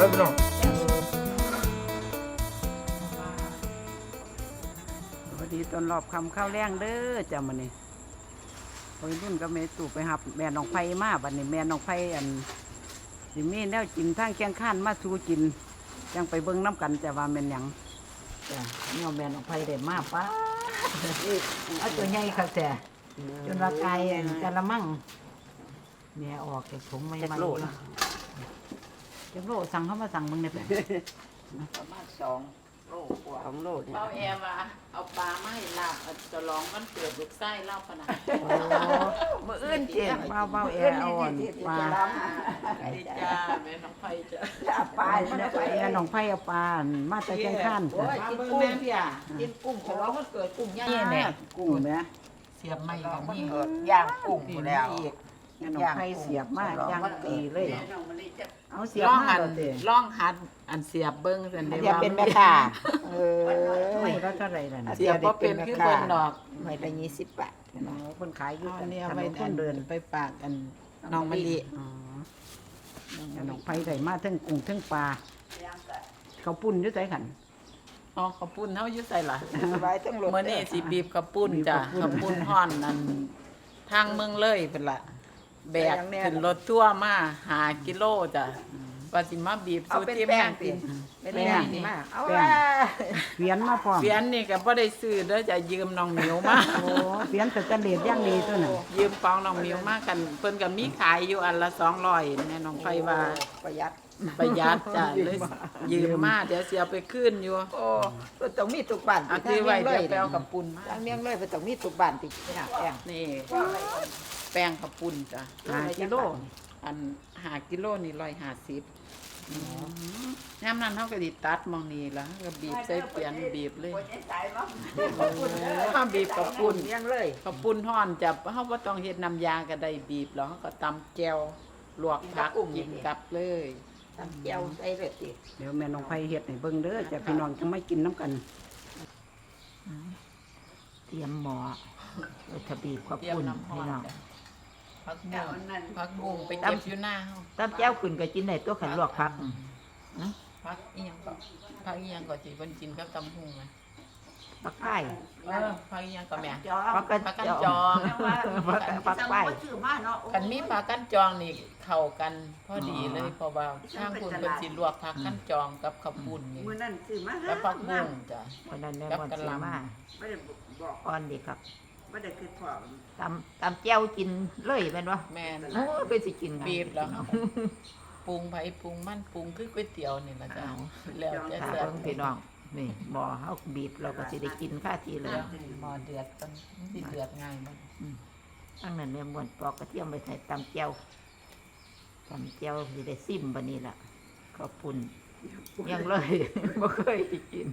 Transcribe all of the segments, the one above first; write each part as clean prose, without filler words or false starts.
เลยพี่น้องสวัสดีตอนรอบคำข้าวแรงเด้อจ้ามันนี่วัยรุ่นก็แม่ตู่ไปหับแม่น้องไผ่มาบัดนี้แม่น้องไผ่อันสิมีแนวกินทางแกงข้านมาสู่กินยังไปเบิ่งน้ำกันจะว่าแม่นหยังจ้ะเนี่ยแม่น้องไผ่ได้มาป้าเอาตัวใหญ่ค่ะแต่จนว่าไกลกะละมังแม่ออกจากถุงไม่ไม่จักโลสั่งเขามาสั่งมึงเนี่ยประมาณ2 โลกว่า2 โลเนี่ยเป้าแอร์ว่าเอาปลาไม้ลาบจะลองมันเกิดลูกไส้เล่าขนาดมื่ออื่นเจ็บเบาแอร์อ่อนปลาดีจ้าแม่น้องไผ่จ้ะปลาแม่น้องไผ่เอาปลามาแต่แกงข้านจ้ะกินกุ้งพี่อ่ะกินกุ้งฉลองมันเกิดกุ้งย่างนี่แหละกุ้งเนี่ยเสียบไม้กับนี่ย่างกุ้งแล้วแม่น้องไผ่เสียบมาย่างตีเลยเอาเสียบล่องมาหันเด้อล่องหัดอันเสียบเบิ้งสันเดีอย่าเป็นแม่ค้าไม่แล้วเท่าไหร่ล่ะเสียบว่าเป็นคือเพิ่นดอกไม่ละ20 บาทคนขายอยู่อันนี้ถเอานไปนคนเดินไปฝากอันน้องมะลิแม่น้องไผ่ได้มาทั้งกุ้งทั้งปลาเขาปุ่นอยู่ใจขันอ๋อข้าวปุ้นเฮาอยู่ใส่ล่ะสบายทั้งรถเมื่อนี้สิบีบข้าวปุ้นจ้ะข้าวปุ้นฮ้อนนั่นทางเมืองเลยเป็นละแบกขึ้นรถทั่วร์มา5 กิโลจ้ะว่าสิมาบีบเอาสู่เป็นทีมแป้งาง นติกินเป็นแป้งนี่มาเอาแป้ว่างเฟียนมาพร้อมเฟียนนี่ก็บ่ได้ซื้อเด้อจะยืมน้องหมิวมาโอ้เฟียนแต่จะเลดย่างดีตัวน่ะยืมปองน้องหมิวมากันเพิ่นก็มีขายอยู่อันละ200แม่น้องไผว่าประหยัดประหยัดจ้ะเลยยืมมาเดี๋ยวสิเอาไปคืนอยู่โอ้ต้องมีทุกบ้านเอาที่ไว้เดี๋ยวไปเอากับปุ่นมาทางเมียงเลยต้องมีทุกบ้านติเนี่ยแป้งนี่แป้งข้าวปุ้นจ้ะ 5 กิโลอัน5 กิโลนี่150ยามนั้นเฮาก็สิตัดหมองนี้ล่ะก็บีบใส่เปียนบีบเลยเฮาบีบกับปุ้นเมียงเลยข้าวปุ้นฮ้อนจะเฮาบ่ต้องเฮ็ดน้ำยาก็ได้บีบแล้วเฮาก็ตำแจ่วลวกผักกินกับเลยตำเจียวใส่เลยติเดี๋ยวแม่น้องไผ่เฮ็ดให้เบิ่งเด้อจะพี่น้องจะไม่กินน้ำกันเตรียมหม้อทะบีบข้าวเตรียมปุ้นน้ำฮ้อพี่นน้องจ้ะผักบุ้งไปเก็บอยู่หน้าเฮาตำเจียวขึ้นก็กินได้ตัวขันลวกผักผักอีหยังก็ผักอีหยังก็สิเพิ่นกินกับตำหุงนะผักไผ่ผักอีหยังก็แม่ผักกันผักกันจจออง งผักไผ่กันมีผักกันจองนี่เข้ากันพอดีเลยเพราะว่าทางคุณเพิ่นสิลวกผักกันจองกับข้าวปุ้นนี่มื้อนั้นซื้อมากับผักบุ้งจ้ะวันนั้นแม่กับมอนกะสีหล่ำมาบ่ได้บอกอ่อนดีครับบ่ได้คือพอตำเจียวกินเลยแม่นวะแม่นโอ้ยเป็นสิกินบีบแล้วปรุงไผปรุงมันปรุงคือก๋วยเตี๋ยวนี่ล่ะจ้ะแล้วแต่ถ้าแซ่บเบิ่งพี่น้องนี่หม้อเฮาบีบเราก็สิได้กินค่าทีเลยหม้อเดือดต้องสิเดือดง่ายบ่อันนั้นแม่มวนปอกกระเทียมไปใส่ตำเจียวสิได้ซิมบัดนี้ล่ะข้าวปุ้นยังเลย บ่เคยกิน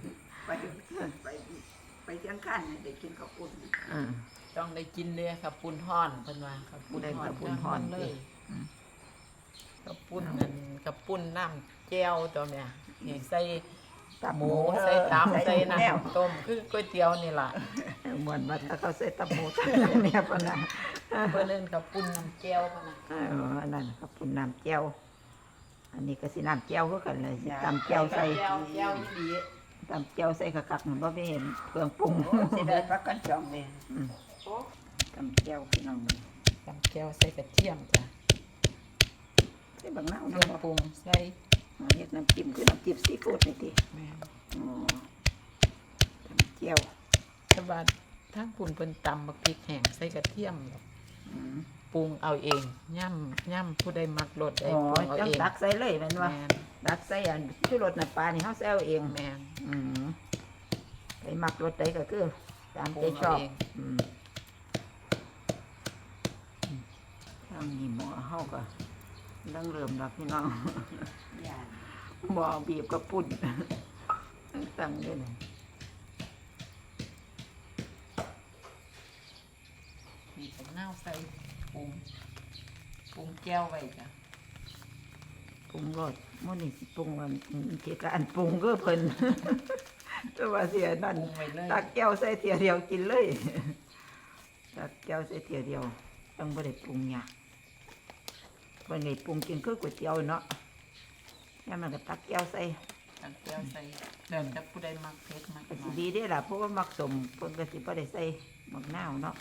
ไปเชียงคานได้กินข้าวปุ้นอือต้องได้กินเด้อครับปุ้นฮ้อนเพิ่นว่าครับปุ้นได้ฮ้อกับนปุ้นฮ้อนเลสิยกับปุ้นนั่นกับปุ้นน้ำแจ่วตัวแม่นี่ใส่หมูใส่ตับใส่น้ำต้มคือก๋วยเตี๋ยวนี่ล่ะมวนว่าถ้าเขาใส่ตำหมูเนี่ยปะนะเพิ่นเอิ้นกับปุ้นน้ำแจ่วพุ่นน่ะอันนั้นข้าวปุ้นน้ำเจียวอันนี้ก็สิน้ำเจียวคือกันเลยสิตำเจียวใส่แจ่วอีหลีตำเจียวใส่คักๆมันบ่มีเห็นเครื่องปรุงสิได้พักกันจองเลยตำเจียวพี่น้องนี่ตำแจ่วใส่กระเทียมจ้ะใส่บางนาวเครื่เนาะองปรุงใส่เฮ็ดน้ำจิ้มคือน้ำจิ้มซีฟู้ดนี่ติแม่นอ๋อตำเจียวแต่ว่าทางปุ้นเพิ่นตำบักพริกแห้งใส่กระเทียมอืมปรุงเอาเองย่ำผู้ใดมักรสได้อ๋อปรุงเอาจังเองตักใส่เลยแม่นว่าแม่นตักใส่อันชูรสน้ำปลานี่เฮาใส่เอาเองแม่นอืมไปมักรสใดก็คือตามใจชอบปรุงเอาเองอืมทางนี้หม้อเฮาก็ดังเริ่มแล้วพี่น้อง หม้อบีบกับปุ่นตั้งด้วยนะมีกับน้าวใส่ปรุงแก้วไว้จ้ะปรุงรสมื้อนี้สิปรุงอันเกี่ยวกับอันปรุงก็เพิ่น แต่ว่าเสียนั่นปรุงไว้เลยตักแก้วใส่เทียเดียวกินเลยตักแก้วใส่เทียเดียวต้องบ่ได้ปรุงหยังเพิ่นนี่ปรุงกินคือก๋วยเตี๋ยวเนาะแล้วมันก็ตักแก้วใส่ตักแก้วใส่เดินจะผู้ใดมักเผ็ดมักก็น้สิอยดีเด้อล่ะเพราะว่ามักสมเพิ่นก็สิบ่ได้ใส่หมักนาวเนาะ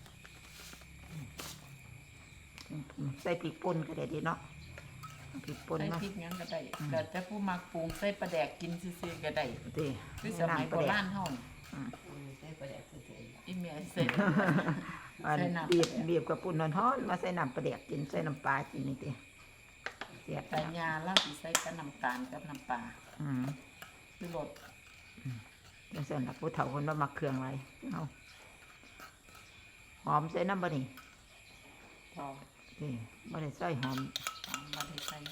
ใส่พริกป่นก็ได้เดีเนาะพริกป่นใส่เนาะพริกหยังก็ได้เดี๋ยวจะผู้มักปรุงใส่ปลาแดกกินซื่อๆก็ได้ติคือสมัยโบราณเฮานี่อีเมียใส่อันใส่น้ำบีบกับปุ่นนอนฮ้อนมาใส่น้ำปลาแดกกินใส่น้ำปลากินนี่ติเสียบแต่ยาแล้วสิใส่กับน้ำตาลกับน้ำปลาอืมคือรสจังซั่นล่ะผู้เฒ่าเพิ่นบ่มักเครื่องหลายเอาหอมใส่น้ำบ่นี่พอนี่บ่ได้ใส่หอมมาได้ใส่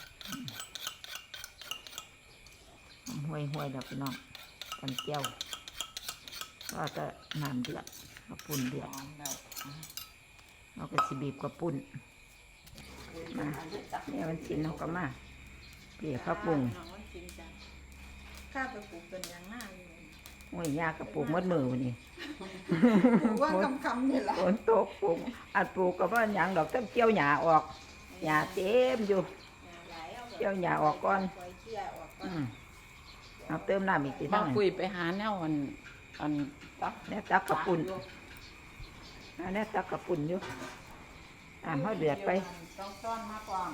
หอมห่วยๆดอกพี่น้องกันแก้วก็จะน้ำเดือดกระปุ่นเดือดหอมแล้วเราก็สิบีบกระปุ่นมาเนี่ยมันชิ้นเราก็มาเปลี่ยข้าวปรุงข้าไปปลูกเป็นอย่างหน้าอยู่โอ้ยยากกระปุกมัดมือวันนี้ปลูกว่าคำนี่แหละฝนตกปลูกอัดปลูกกับว่าหยางดอกต้นเกี่ยวหญ้าออกหญ้าเต็มอยู่เกี่ยวหญ้าออกก่อนปล่อยเชี่ยออกก่อนอืมเอาเติมน้ำอีกทีบาเท่าง นั้นคุยไปหาแนวอันตักเนี่ยตักกระปุ่นอันนี้ตักกระปุ่นอยู่เขาเดือดไปต้องซ่อนมากกว่า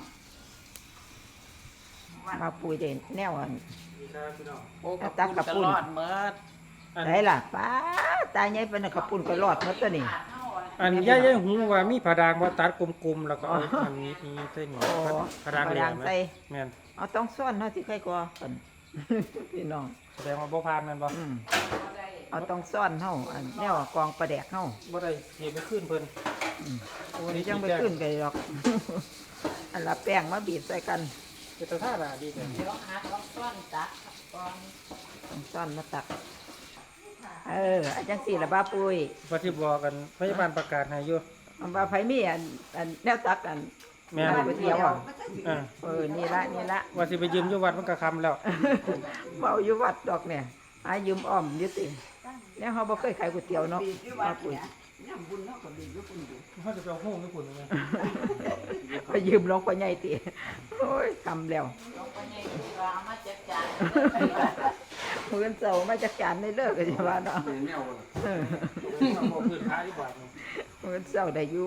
มาปุยเด่นแนวอันโอ้เอาตักกระปุ้นรอดเมิดได้ล่ะป้าตายใหญ่เป็นน่ะกระปุ่นก็รอดหมดตัวนี่อันย่าหูว่ามีผาดางว่าตัดกลมๆแล้วก็เอาอันนี้ใส่หนูโอ้ผาดางเหลี่ยมไหมใส่แม่นเอาต้องซ่อนเนาะที่ใครกลัวกัน พี่น้องแสดงว่าบ่ผ่านแม่นบ่อืมเอาต้องซ่อนเฮาอันแนวกองประแดกเฮาบ่ได้เฮ็ดไปขึ้นเพิ่นโอ้ยยังไม่ขึ้นกันหรอก อันละแป้งมาบีบใส่กันเป็นตาท่าน่ะดีเลยเดี๋ยวหาต้องซ่อนตักก่อนต้องซ่อนมาตักอาจังสี่ละบ้าปุ้ยว่าที่บอกกันพยาบาลประกาศให้อยู่อันบ้าไผมีอันแนวตักอันแม่นไปเที่ยวอ่ะอ่านี่ละว่าสิไปยืมอยู่วัดมันก็คำแล้วเมาอยู่วัดดอกเนี่ยอายืมอ้อมอยุติแล้วเขาบ่เคยขายก๋วยเตี๋ยวเนาะบ้าปุ้ยเขาจะไปเอาโฮงญี่ปุ่นยังไงไปยืมหลวงพ่อใหญ่ติโอ้ยทำแล้วลงไปในตู้รามาจัดจานมื้อเช้ามาจัดการในเลิกกันใช่ป่ะเนาะบอกพื้นท้ายที่บาทมื้อเช้าได้อยู่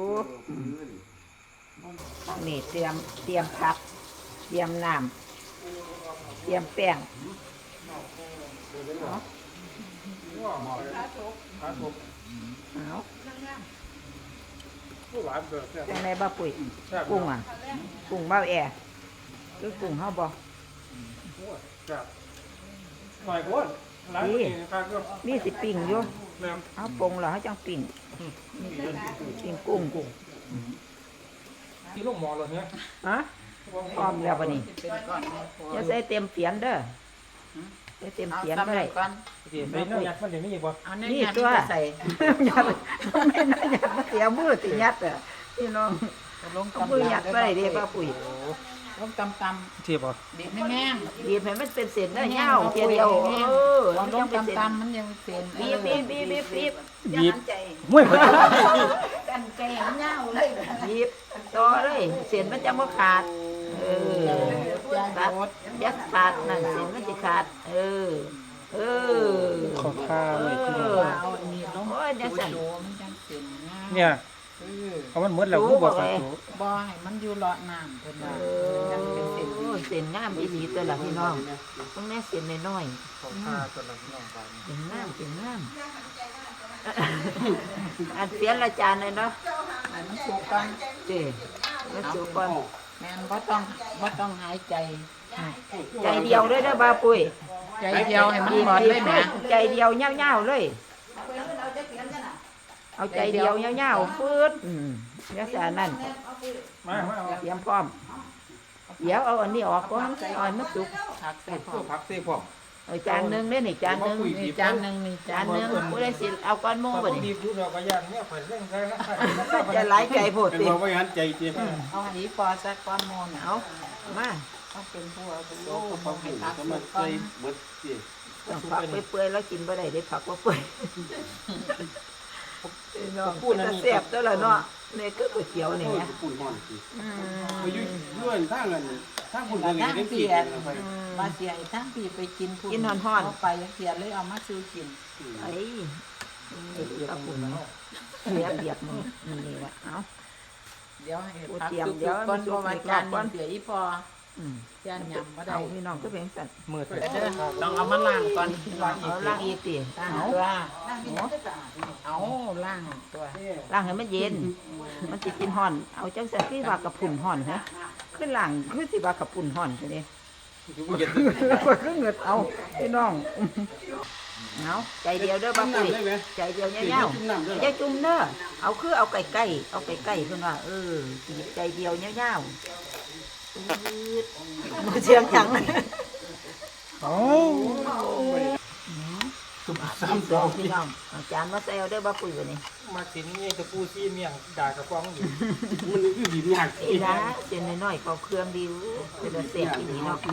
นี่เตรียมผักเตรียมน้ำเตรียมแป้งครับผมเอาผู้หวานเบิกเนี่ยจังไดบ้าปุ้ยแซ่บกุ้งอ่ะกุ้งเบ้าแอคือกุ้งเฮาบ่แซ่บหน่อยก้นร้านนี้ครับก็มีสิปิ้งอยู่แม่เอาปรุงแล้วเฮาจังปิ้งปิ้งกุ้งที่ลูกหมอเหรอเนี่ยฮะพร้อมแล้วบัดนี้เป็นก่อนนะพออย่าใส่เต็มเสียนเด้อใส่เต็มเอาเสียนซ้ำบ่เลได้ยก่อนเดี๋ยวไปเนี่ยยัดมันเดี๋ยวนี้อีกบ่เอาเนื้นี่อตัวที่ใส่ยัดไม่น่ายัดมาเสียมือสิยัดอ่ะพี่น้องลงเอามือยัดไปเด้ป้าปุ๋ยลงตำเทียบบ่ๆบีบไม่แห้งบีบให้มันเป็นเส้นได้ยาวเทียเดียวลงมันยังเป็นเส้นตำๆมันยังเป็นบีบบีบใจห้วยพอดีกันแกงเน่าเลยบีบต่อเลยเส้นมันจะบ่ขาดตัดยัดขาดนั่นเส้นมันสิขาดขอข้าวเลยพี่น้องเอาอันนี้ลงโอ้ยจังซั่นโจมันจังเป็นงามเนี่ยเออเขามันเหมือนแล้วผู้บอกกันตัวบ่ให้มันอยู่เลาะน้ำเพิ่นว่าจังเป็นเส้นดีเส้นงามอีหลีตัวละพี่น้องต้องแน่เส้นน้อยขอข้าวตัวละพี่น้องไปๆเส้นงามเส้นงามอันเสียนละจานเลยเนาะให้มันสุกก่อนเจ้มาสู่ก่อนแม่นบ่ต้องหายใจใจเดียวเลยนะบาปุ้ยใจเดียวให้มันหมดเลยแหมใจเดียวเง่าๆเลย เอาใจเดียวเง่าๆฟืดลักษณะนั้นมาเอาเตรียมพร้อม เดี๋ยวเอาอันนี้ออกก่อนเอาอันมันสุกผักใส่พพวกผักเสียพวกเอาจานหนึงเด้อนี่จานหนึงนี่จานหนึงนี่จานหนึงผู้ได้สิเอาก้อนหมูบ่ดีนี่พูดเราก็ย่างเนี่ยผ่านเรื่องใครนะจะหลายใจโพดเป็นติว่าไม่งั้นใจเจี๊ยบเอาให้พอสักก้อนโมนเอามาต้องเป็นผู้เอาไปโลกต้องให้ผักสุกก่อนต้องผักเปื่อยๆแล้วกินบ่ได้ได้ผักว่าเปื่อยน้องพูดแซ่บตัวละเนาะเนี่ยก็ก๋วยเตี๋ยวนี่โอ้ยแหละปุ่นห่อนสิไปอยู่ด้วยทางนั้นทางคุณเพิ่นทางได้เปีกิยนกไปมาเสียทางปีไปกินพุ่กินฮ้อนๆเอาไปเสียเลยเอามาซื้อกินไอ้ตะปุ่นเสียเบียดมันนี่แหละเอาเดี๋ยวให้โอ้พักเตรียมสุกเดี๋ยวก่อนมันสุเพกราะว่าอีกจานรอบก่อนเสียอีพออืมจานยำบ่ได้เอาพี่น้องก็เป็นสัตว์มืดเด้อต้องเอามาล้างก่อนเอาล่างอีกตีล้างเอาตัวเอาล้างตัวล่างให้มันเย็น มันสิกินห่อน เอาจังสันคือว่ากระปุ่นห่อนฮะคือล่างคือสิว่ากระปุ่นห่อนใช่ไหมอยู่บ่เย็นก็คือเงิดเอาพี่น้องเอาใจเดียวเด้อบ้าปุ้ยได้ไหมใจเดียวเงี้ยวๆอย่าจุ่มเด้อเอาคือเอาไก่ไก่เอาไก่ไก่เพิ่นว่าใจเดียวเงี้ยวๆมือเชียงจังโอ้ซ้ำสองพี่น้องเอาจานมาใส่เอาเด้อบ้าปุ้ยวันนี้มาสินี่ตะปูซี่เมียงด่ากระป๋องอยู่มันคือหินยากอีนะเจนน้อยๆก็เครื่องดีเป็นเสียบอีนี้เนาะ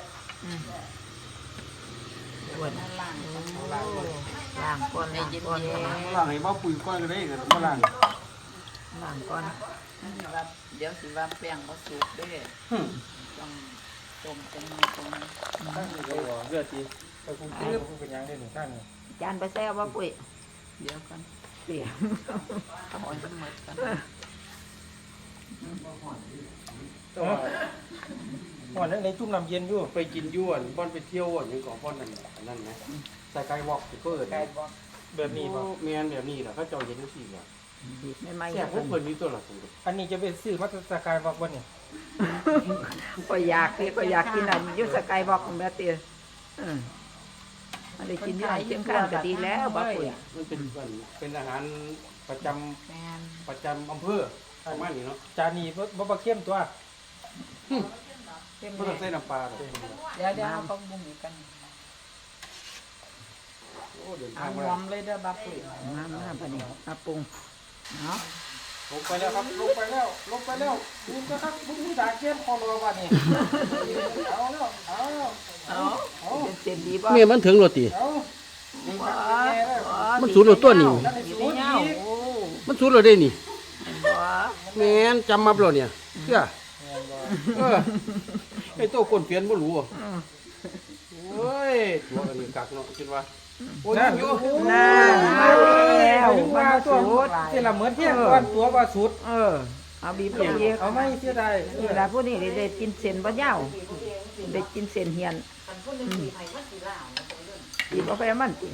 อ้วนล้างก่อนล้างก่อนล่างให้บ่ปุ๋ยก้อยก็ได้ก็บ่ล่างล้างก่อนเดี๋ยวสิว่าแป้งบ่สุกเด้อต้องต้มจังตรงเลือดดีไปคุณเป็นยังได้หนึ่งท่านจานไปแซ่บบ้าปุ้ยเดี๋ยวกันเสียเอาให้มันหมดกันก่อนนั้นในจุ่มน้ำเย็นอยู่ไปกินยวนบ่อนไปเที่ยวอย่างของพ่อนนั่นนะใส่ไก่วอกที่เปิดแบบนี้ป่ะแมนแบบนี้แหละเขาเจ้าเย็นทุกสิ่งอ่ะไม่ไม่แค่พวกเพิ่นมีตัวละตัวอันนี้จะเป็นซื้อมาสกายวอกบ่เนี่ยก็อยากนี่ก็อยากกินอันยุสกายบอกของแม่เตี้ยมันได้กินอยู่เชียงคานก็ดีแล้วบ้าปุ้ยมันเป็นอาหารประจำแม่นอำเภอประมาณนี้เนาะจานนี้บ่เข้มตัวเข้มบ่ต้องใส่น้ำปลาหรอกเดี๋ยวเอาของบุ้งอีกกันโอ้เดินเอาทางหมาอมเลยเด้อบับปุ๋ยมาปะนี่มาปรุงเนาะลงไปแล้วครับลงไปแล้วคุณก็ครับบุ้งด่าเข้มพอรอบัดนี้เอาแล้วเอาแล้วเอาเส้นดีบ่เมียมันถึงโรตีเอามันสูดโรตัวนี่ดีไม่เงาโอ้มันสูดโรได้นี่บ่แม่นจำมาบ่ล่ะเนี่ยเชื่อไอ้โตคนเปลี่ยนบ่รู้อ่ะโอ้ยตัวอันนี้กักเนาะคิดว่าโอ้ยอยู่น่ามาแล้วว่ามาตัวสูดที่ละเหมือนเที่ยงก่อนตัวว่าสุดเอาบีบอย่างเดียวเอาไม่เสียดายเวลาพวกนี้ได้กินเส้นบ่ยาวได้กินเส้นเฮียนบีบเอาไปมันติ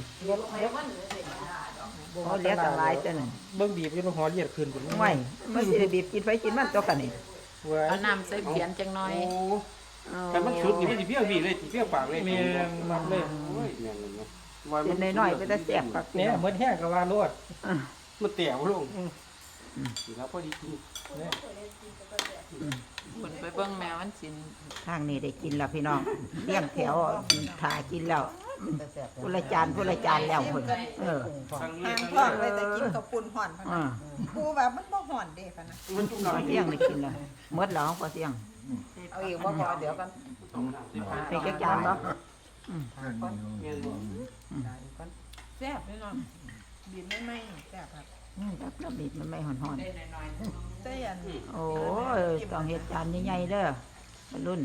เขาเลี้ยงกันหลายแต่นั่นเบิ่งบีบอยู่หอเลียดขึ้นพุ่นไม่มันสิได้บีบกินไปกินมันตัวกันนี่เว้ยเอาน้ำใส่เพียนจังหน่อยโอ้แต่มันสุดนี่มันสิเพี้ยวีเลยสิเพี้ยปากเลยแม่นมันเลยโอ้ยแม่นเลยเนาะเส้นน้อยๆไปแต่แซ่บคักเนี่ยเหมือนแห้งก็ว่าโลดมันแตกบ่ลงสิครับพอดีกินคนไปเบิ่งแมวมันสินทางนี้ได้กินแล้วพี่น้องเลี้ยงแถวถ่ากินแล้วผู้ละจานแล้วพุ่นทางห่างนี้ท้องไปแต่กินกับปุ่นห่อนพะอ่านะกูว่ามันบ่ห่อนเด้พะนะมันจุ่มพอน้ำเที่ยงได้กินแล้วหมดแล้วพอเที่ยงเอาอีกบ่พอเดี๋ยวกันไปจักจานบ่แซ่บแน่นอนบีบไม่แซ่บครับจักระบิดมันไม่ห่อนได้หน่อยแต่ยันๆโอ้ยต้องเฮ็ดจานใหญ่ๆเด้อรุ่น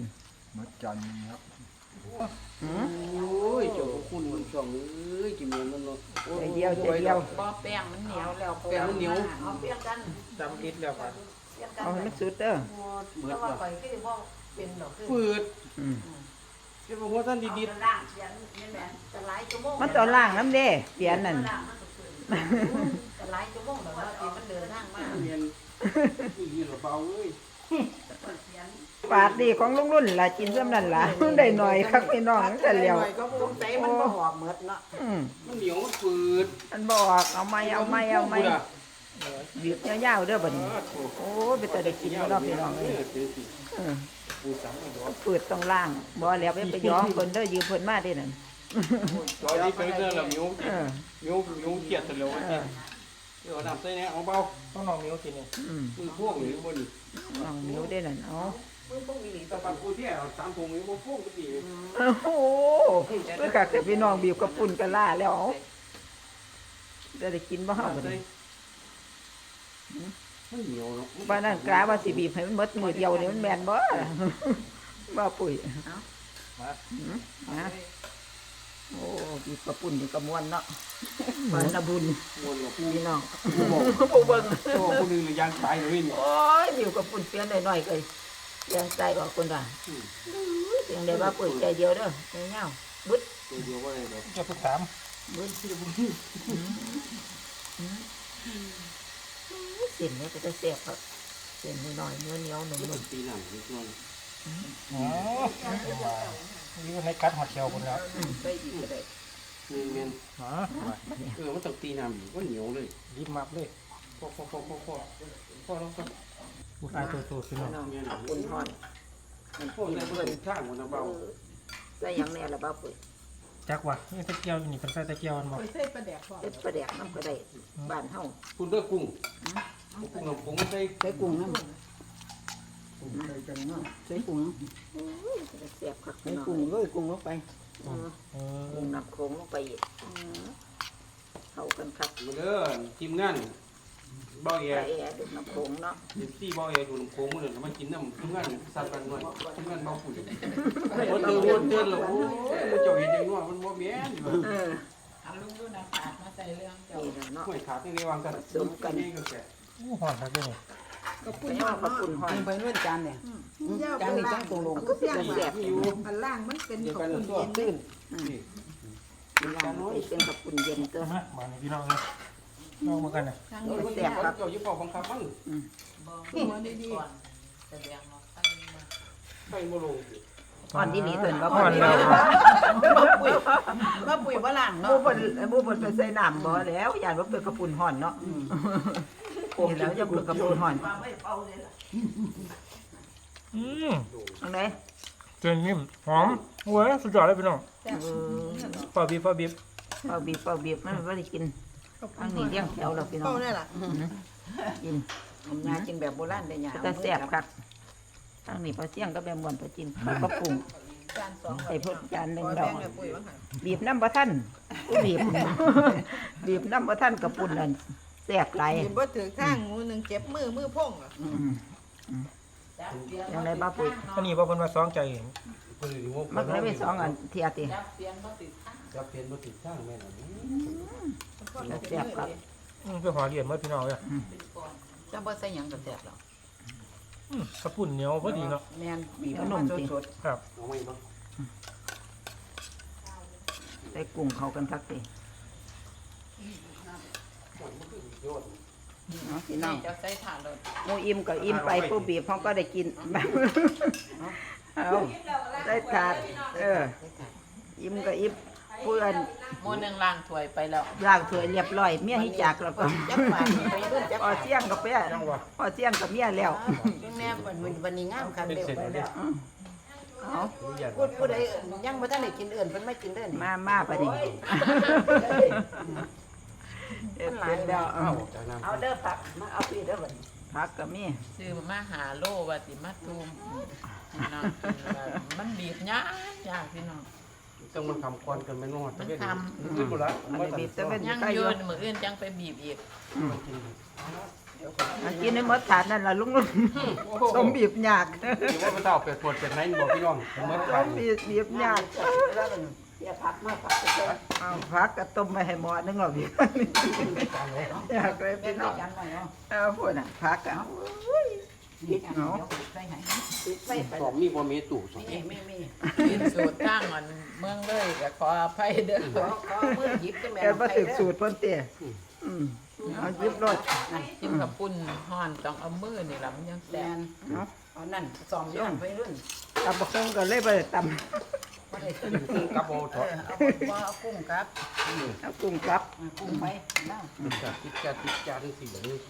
โอ้ยเจ้าพระคุณมันช่องเอ้ยกินเมียมันเนาะใจเดียวบ่แป้งมันเหนียวแล้วแป้งมันเหนียวเอาเปรี้ยวกันจำลิดแล้วป่ะเอาให้มันสุดเด้อเบิดว่าว่ะข่อยคือบ่เป็นดอกคือปืดอืมเก็บหัวท่านดีล่างเสียนนี่แหละจะหลายชั่วโมงมันต้องล้างน้ำเด้เปลี่ยนนั่นจะหลายชั่วโมงแล้วว่ามันเดินทางมาๆเมียนนี่เหรอเบาเอ้ยปาดดีของลุงรุ่นล่ะกินซ้ำนั่นล่ะได้หน่อยคักพี่น้องแต่แล้วสงสัยมันบ่หอบหมดเนาะมันเหนียวมันปืดมันบอกเอาไหมบีบยาวๆเด้อบัดนี้โอ้ยไปแต่ได้กินบ่เนาะพี่น้องเอ้ยปูสังไม่ดอกเปิดต้องล่างบ่แล้วไปย้อมเพิ่นเด้อยืมเพิ่นมาเด้นั่นจอยนี่เป็นเรื่องละมิวเออมิวเกียดแต่เร็วเดี๋ยวน้ำใส่เนี่ยเอาเบาต้องน้องมิ้วกินนี่มือพวกหรือบ่นี่น้องมิวได้นั่นเอาแต่ปากกูที่เอา3ถุงนี่บ่พวกก็ดีโอ้โหเพื่อกักแต่พี่น้องบีบกับปุ่นกันล่าแล้วเอาได้กินบ่เฮาบัดนี้มันเหนียวเนาะบ้านนั้นกะว่าสิบีบให้มันหมดมือเดียวนี่มันแม่นบ่บ่ปุ๋ยนะโอ้บีบกระปุ่นนี่กระมวนเนาะบ้านละบุญมวนกับพี่น้องผู้เบิ่งตัวผู้นึงเลยยางตายเลยนี่โอ้ยบีบกระปุ่นเปลี่ยนหน่อยๆเลยยังใจออกคนว่าเสียงได้ว่าปุ๋ยใจเดียวเด้อเงาบึดตัวเดียวว่าอะไรแบบเจ้าทุกถามบึดเส้นนี้ก็จะแซ่บครับเส้นน้อยๆเนื้อเหนียวหนุ่มันมตีหนังนิดหน่อยอ๋อนี่ก็ให้กัดหัวเขียวคนแล้วไปอีกก็ได้เมียนอ๋อมันต้องตีน้ำอีกก็เหนียวเลยรีบมับเลยพ่อแล้วก็บุกอายตัวขึ้นมาเมียนๆอุ่นหอนมันพ่อได้เพื่อนช่างมันนะเบาใส่หยังแน่ละบ้าปุ๋ยจักว่ะนี่ตะเกียวนี่เป็นไส้ตะเกียวมันบอกไปใส่ปลาแดกพอเล็ดประแดกน้ำก็ได้บ้านเฮาคุณเลือกกุ้งกุ้งกับกุ้งใส่ใส่กุ้งน้ำใส่กุ้งแซ่บคักใส่พี่น้องกุ้งเลยกุ้งลงไปกุ้งน้ำโขงลงไปอีกเข้ากันครับมาเด้อทีมงานเบาแย่ไก่แอดน้ำโขงเนาะที่เบาแย่ดูน้ำโค้งมันเลยมากินน้ำทีมงานสัตว์กันหน่อยทีมงานเบาปุ๋ยวันเตือนแล้วโอ้ยเจ้าเห็นยังนัวมันบ่แม่นเอาลุงดูนะขาดมาใส่เรื่องเจ้านี่นะเนาะห่วยขาดนี่วางกันนี่ก็แก่อู้หอนครับด้วยนี่ก็พูไปดเอากระปุ่นหอยไปนู่นจานเนี่ยเจ้าจานไปนี้ล่าจังตรงลงก็เสียงแซ่บอยู่อันล่างมันเป็นเดี๋ยวขอกังนคุณตัวเย็นตื้นย่างไปเป็นกระปุ่นเย็นตัวมาบ้านนี้พี่น้องเลยน้องมากันนะทั้งเออมันแก่เจ้าอยู่เป่าบังคับมันบอกมาดีๆก่อนแสดงว่าตั้งมาไปบ่ลงอ่อนดีนี่ตัวว่าอ่อนแล้วว่าปุ๋ยว่าหลังหมูเนาะบนหมูบนไปใส่น้ำบ่แล้วอย่างว่าเป็นกระปุ่นห่อนเนาะนี่แล้วจะเป็นกระปุ่นห่อนอืมตรงไหนเจนนิ่มหอมโอ้ยสุดยอดเลยพี่น้องปลาบีบเป่าบีบมันไม่ได้กินอันนี้เลี้ยงแถวเราพี่น้องเป้าเนี่ยล่ะกินงากินแบบโบราณได้ยาแต่แซ่บครับทางนี้ปลาเสี่ยงก็แบบมวนปลาจินปลากระปุงจานสองไอ้พวกจานหนึ่งขอดอแบ่กงให้ปุ๋ยบ้างค่ะบีบน้ำปลาท่านบีบ บีบน้ำปลาท่านกระปุ่นนั่นแซ่บไหลายเห็นบ่ถือข้างมือหนึ่งเจ็บมือพ่งอ่ะยังไงบ้าปุ๋ยอันนี้ว่าเป็นว่าซ้องใจเพิ่นอยู่ว่ามันก็ได้ไปสองอันเทียติจับเปลี่ยนมาติดข้างจะเปลี่ยนบ่ติดข้างแม่นอันนี้แซ่บครับไปหอเหรียญเมื่อพี่น้องเลยเป็นก่อนจังบ่ใส่หยังก็แซ่บแล้วกระปุ่นเหนียวพอดีเนาะแม่นบีบมาสดครับเอาไว้บ่ใส่กุ้งเข้ากันทักติโยนเนาะพี่น้องจะใส่ถ่านเลยหมูอิ่มก็อิ่มไปผู้บีบเขาก็ได้กิน เอาได้ถาดอิ่มก็อิ่มเพื่อนโมนึงล้างถ้วยไปแล้วล้างถ้วยเรียบร้อยเมียให้จากแล้วก็จักบาทไปรุ่นจักพอเที่ยงกับเปี้ยพอเที่ยงกับเมียแล้วแม่วันนี้งามคันเป็นเดียวเสร็จไปแล้วแล้วเอาพูดใดยังบ่ทันได้กินเอื่นเพิ่นไม่กินเด้อนี่มาปะนี่เอ็ดเป็นแล้วเอาออกจากน้ำเอาเด้อผักมาเอาพี่เด้อบัดผักกับมีซื้อมาหาโลว่าสิมาตุมพี่น้องกินแล้วมันบีบยากพี่น้องต้องมันทำควันกันแม่นอดมันทำขึ้นบ่ละอันนี้บีบแต่เป็นยังใกล้ออยู่ ยู่มื้ออื่นจังไปบีบอีกอันกินในหมดถาดนั่นล่ะลุงสมบีบยากเดี๋ยวว่าพระเจ้าเป็ดปวดเป็ดไหนบอกพี่น้องเมื่อสวานมบีบยากอย่าผักมาผักเอาผักก็ต้มไปให้หมอนึงหรอกพี่อยากเลยพี่น้องจานหน่อยเนาะเอาพูดน่ะผักอ่ะเอาใส่ให้ติดไว้ไปสอบมีบ่มีตู่สอบมีกินสูตรตั้งอันเมืองเลยก็ขออภัยเด้อก็มือหยิบก็แม่แกบ่ถึกสูตรเพิ่นเตี้ยเอาหยิบรถกินกับปุ่นห่อนต้องเอามือนี่ล่ะมันยังแซ่แม่บนเอานั่นซ้อมย่างไปรุ่นตำบักหุ่งก็เลยบ่ได้ตำบ่ได้กินกับโบถอดเอาบ่เอากุ้งครับเอากุ้งกลับกุ้งไปนะติดจานสี่แบบนี้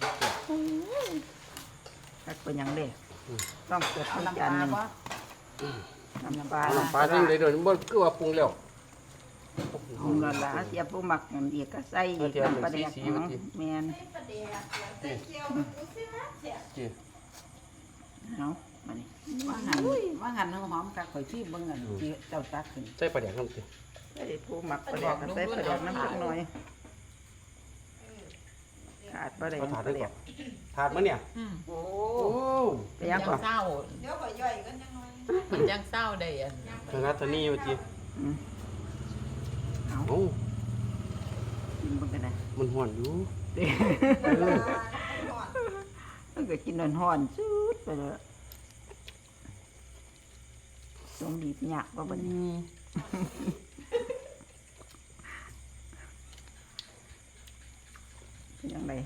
ทักเป็นหยังเด้ต้องเกิดเอาทุกน้ำปจานลาหนึงบ่น้ำปลาปลาดิ้งเลยเดี๋ยวนี้บ่คือว่าปรุงแล้วกุ้งละละเสียผู้หมักนั่นอีกก็ใส่อีกน้ำปลาแดกแม่นเอามานี่ว่าหันหอมกักข่อยที่เบิ่งอันที่เจ้าตักขึ้นใส่ปลาแดกน้ำสิใส่ผู้หมักปลาแดกก็ใส่ปลาแดกน้ำจักหน่อยขาาดบ่ได้เอาถาดปลาได้แดก่อก นถาดมันเนี่ยโอ้โอ้ไปยังก่อนเศร้าเดี๋ยวข่อยย่อยกันยังไงมันยังเศร้าได้อันธนัทธนีว่าจีเอาโอ้กินเบิ่งกันนะมันห่อนอยู่มันก็กินร้อนๆสุดไปเลยตรงดีบยากว่าบัดนี้เป็นยังไง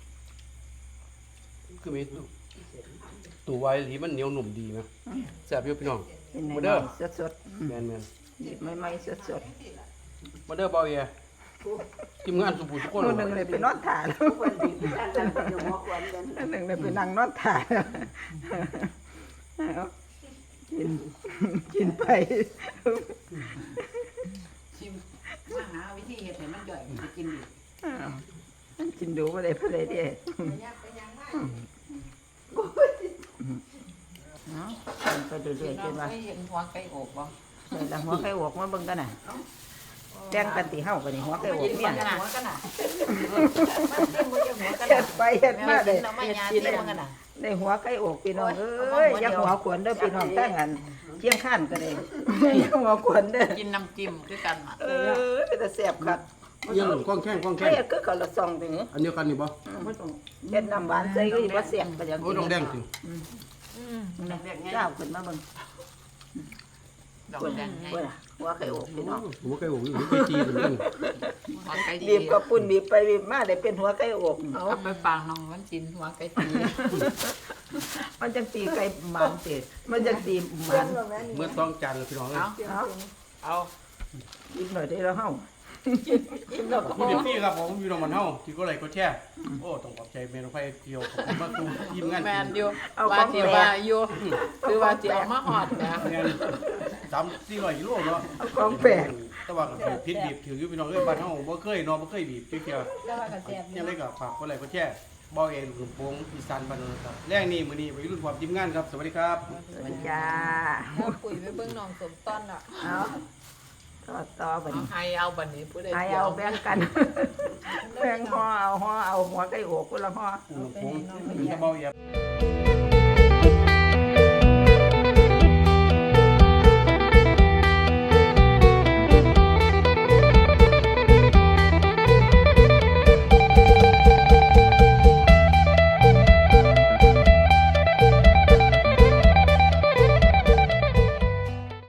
คือมีตัวไวที่มันเหนียวหนุ่มดีไหมแซ่บอยู่พี่น้องเป็นไงมาเด้อสดแมนๆดีบใหม่ๆสดๆมาเด้อเบาเอียทีมงานสุภูทุกคนๆคนหนึ่งเลยไปนอนถ่ายแล้วคนดีบหนึ่งเลยไปนั่งนอนถ่ายเอากินไปชิมมาหาวิธีเฮ็ดให้มันย่อยมันจะกินดีมันกินดูบ่ได้เพิ่นเลยเด้เนาะกินไปเรื่อยๆจนว่าเคยเห็นหัวไก่อกบ่เดี๋ยวหัวไก่อกมาเบิ่งกันน่ะแบ่งกันติเฮากันนี่หัวไก่อกเนี่ยหัวกันน่ะเฮ็ดไปเฮ็ดมาได้เราไม่ยาที่มันกันน่ะได้หัวไก่อกพี่น้องเอ้ยอย่าหัวขวนเด้อพี่น้องตั้งอันเที่ยงข้านก็ได้อย่าหัวขวนเด้อกินน้ำจิ้มคือกันอ่ะเป็นแต่แซ่บคักยังกล้องแข้งเฮ้ยคือเขาละซองติหอันเดียวกันนี่บ่เฮ็ดน้ำหวานใส่ก็สิบ่แซ่บก็จังโอ้ยดองแดงสิเจ้าขึ้นมาเบิ่งดอกแดงไงเบิ่งหัวไก่อกพี่น้องหัวไก่หัวไก่จีเหมือนกันหัวไก่ดีบีบกับปุ่นบีบไปบีบมาได้เป็นหัวไก่อกเอาไปปางน้องมันกินหัวไก่ตีมันจังตีไก่หมันติมันจังตีหมันเมื่อต้องจานเลยพี่น้องเลยเอาเอาเอากินหน่อยได้แล้วเฮาพี่เด็กพี่ครับผมอยู่ตรงมันเฮาที่ก็เลยก็แช่โอ้ต้องขอบใจเมนูไฟเกี่ยวขอบคุณมากตูทีมงานแมนอยู่ว่าเสียว่าอยู่คือว่าสิเอามาหอดนะงาน3-400กิโลเนาะเอาของแปลกแต่ว่าก็พิษบีบถืออยู่พี่น้องเอ้ยบ้านเฮาบ่เคยเนาะบ่เคยบีบเกี่ยวแล้วว่าก็แซ่บยังไงก็ฝากคนไหลก็แช่บ่เองหลุมโป่งอีสานบ้านเราครับแรงนี้มื้อนี้ไปรุ่นความทีมงานครับสวัสดีครับสวัสดีจ้าแล้วปุ๋ยไปเบิ่งน้องสมต้นล่ะเอาต่อบัดเอานี้ให้เอาบัดนี้ผู้ใดให้เอาแบ่งกันแบ่งห่อเอาหัวไก่อกคนละห่อหลุมโป่งจะเบาอย่า